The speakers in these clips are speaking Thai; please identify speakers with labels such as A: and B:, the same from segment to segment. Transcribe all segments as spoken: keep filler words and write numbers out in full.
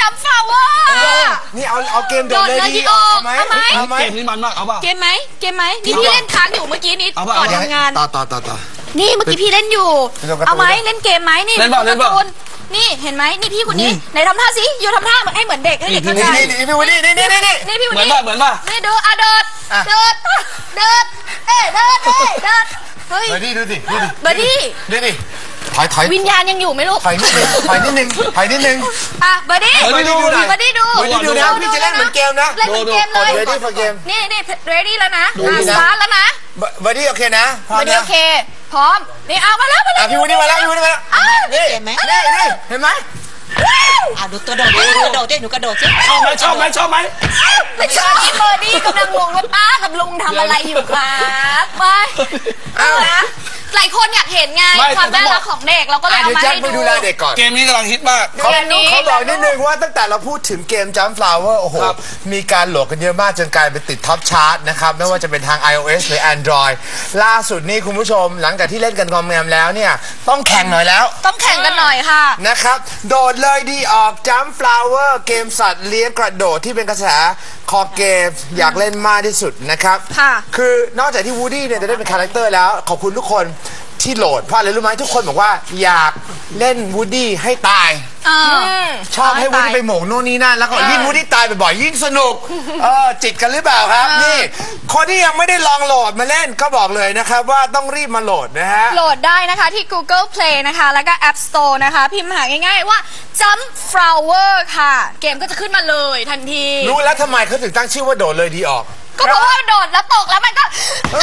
A: จัมฟลาวเวอร์
B: นี่เอาเอาเกมโดดเลยดีออกไหม
C: เอาไหมเกมนี้มันมากเอาป่ะ
A: เกมไหมเกมไหมนี่พี่เล่นค้างอยู่เมื่อกี้นี้ก่อนทำงาน
B: ต่อต่อต่อต่อ
A: นี่เมื่อกี้พี่เล่นอยู่เอาไหมเล่นเกมไหมนี่
C: เล่นบ้าเล่นบ้า
A: นี่เห็นไหมนี่พี่คนนี้ไหนทำท่าสิอยู่ทำท่าเหมือนให้เหมือนเด็กให้เด็กเข้าใจ
B: นี่นี่พี่วันนี้นี่นี่นี่
A: นี่พี่วัน
C: นี้เหมือนป่ะเหมือนป่ะ
A: นี่เดินอ่ะเดินเดินเดินเอ้เดินเอ้เดินเฮ้ย
B: เบอร์ดี้ดูสิดูดิ
A: เบอร์ดี้
B: ดูดิถอยถอย
A: วิญญาณยังอยู่ไหมลูก
B: ถอยนิดนึงถอยนิดนึงถอยนิดนึง
A: อ่ะเบอร์ดี้เบอร์ดี้ดูเบอร์ดี้ดู
B: เบอร์ดี้ดูนะพี่จะเล่นเหมือนเกมนะ
A: เล่นเหมือนเกมเลย
B: ready for game
A: นี่นี่ ready แล้วนะสตาร์ทแล้วนะ
B: เบอร์ดี้โอเคนะ
A: เบอร์ดี้โอเคพร้อมนี่เอามาแล้วมาแล้ว
B: พี่วันนี้มาแล้วพี่วันนี้มาแล้วนี่เห็นไหมนี่นี่เห็นไหม
D: อ่ะดูตัวโดดดิกระโดดดิหนูกระโดดสิ
C: ชอบไหมชอบไหมชอบไหม
A: ไม่ชอบที่เบอร์ดี้กำลังงงว่าป้ากับลุงทำอะไรอยู่ครับไปเอาละหลายคนอยากเห็นไงความน่ารักของเด็กเราก็เลยเอามาให้ดู
C: เกมนี้กำลังฮิตมาก
B: เขาเขาบอกนิดนึงว่าตั้งแต่เราพูดถึงเกม Jump Flower โอ้โหมีการโหลดกันเยอะมากจนกลายเป็นติดท็อปชาร์ตนะครับไม่ว่าจะเป็นทาง iOS หรือ Android ล่าสุดนี่คุณผู้ชมหลังจากที่เล่นกันงอมแงมแล้วเนี่ยต้องแข่งหน่อยแล้ว
A: ต้องแข่งกันหน่อยค่ะ
B: นะครับโดดเลยดีออก Jump Flower เกมสัตว์เลี้ยงกระโดดที่เป็นกระแสคอเกมอยากเล่นมากที่สุดนะครับคือนอกจากที่ Woody เนี่ยจะได้เป็นคาแรคเตอร์แล้วขอบคุณทุกคนที่โหลดเพราะอะไรรู้ไหมทุกคนบอกว่าอยากเล่น Woody ให้ตายชอบให้ Woody ไปโหมกโน่นนี่นั่นแล้วก็ยิ่ง Woody ตายบ่อยๆยิ่งสนุกเออจิตกันหรือเปล่าครับนี่คนที่ยังไม่ได้ลองโหลดมาเล่นก็บอกเลยนะครับว่าต้องรีบมาโหลดนะฮะ
A: โหลดได้นะคะที่ Google Play นะคะแล้วก็ App Store นะคะพิมพ์หาง่ายๆว่า Jump Flower ค่ะเกมก็จะขึ้นมาเลยทันที
B: รู้แล้วทำไมเขาถึงตั้งชื่อว่าโดดเลยดีออก
A: ก็เพราะว่าโดดแล้วตกแล้วมันก็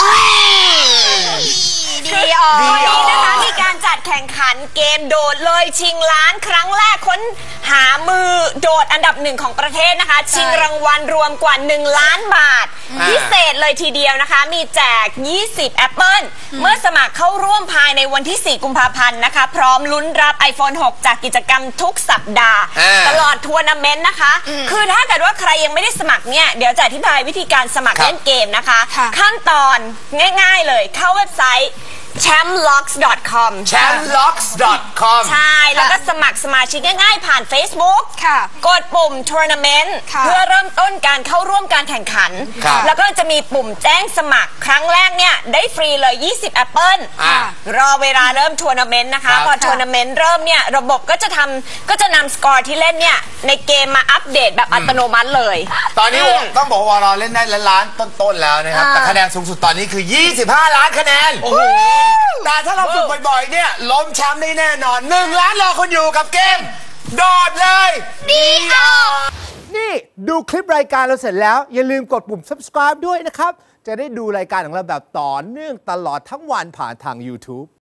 A: ดีออก
D: วันนี้นะคะมีการจัดแข่งขันเกมโดดเลยชิงล้านครั้งแรกค้นหามือโดดอันดับหนึ่งของประเทศนะคะชิงรางวัลรวมกว่าหนึ่งล้านบาทพิเศษเลยทีเดียวนะคะมีแจกยี่สิบแอปเปิลเมื่อสมัครเข้าร่วมภายในวันที่สี่กุมภาพันธ์นะคะพร้อมลุ้นรับ ไอโฟนหก จากกิจกรรมทุกสัปดาห์ตลอดทัวร์นาเมนต์นะคะคือถ้าเกิดว่าใครยังไม่ได้สมัครเนี่ยเดี๋ยวจะอธิบายวิธีการสมัครเล่นเกมนะคะขั้นตอนง่ายๆเลยเข้าเว็บไซต์ แชมป์ล็อกส์ ดอท คอม
B: แชมป์ล็อกส์ ดอท คอม
D: ใช่แล้วก็สมัครสมาชิกง่ายๆผ่าน Facebook กดปุ่ม Tournament เพื่อเริ่มต้นการเข้าร่วมการแข่งขันแล้วก็จะมีปุ่มแจ้งสมัครครั้งแรกเนี่ยได้ฟรีเลยยี่สิบแอปเปิลรอเวลาเริ่มทัวร์นาเมนต์นะคะพอทัวร์นาเมนต์เริ่มเนี่ยระบบก็จะทำก็จะนำสกอร์ที่เล่นเนี่ยในเกมมาอัปเดตแบบอัตโนมัติเลย
B: ตอนนี้ต้องบอกว่าเราเล่นได้ล้านต้นๆแล้วนะครับแต่คะแนนสูงสุดตอนนี้คือยี่สิบห้าล้านคะแนนแต่ถ้าเราฝึกบ่อยๆเนี่ยล้มแชมป์ได้แน่นอนหนึ่งล้านรอคนอยู่กับเกมโดดเลย
A: ดีออก
E: นี่ดูคลิปรายการเราเสร็จแล้วอย่าลืมกดปุ่ม ซับสไครบ์ ด้วยนะครับจะได้ดูรายการของเราแบบต่อเนื่องตลอดทั้งวันผ่านทาง ยูทูบ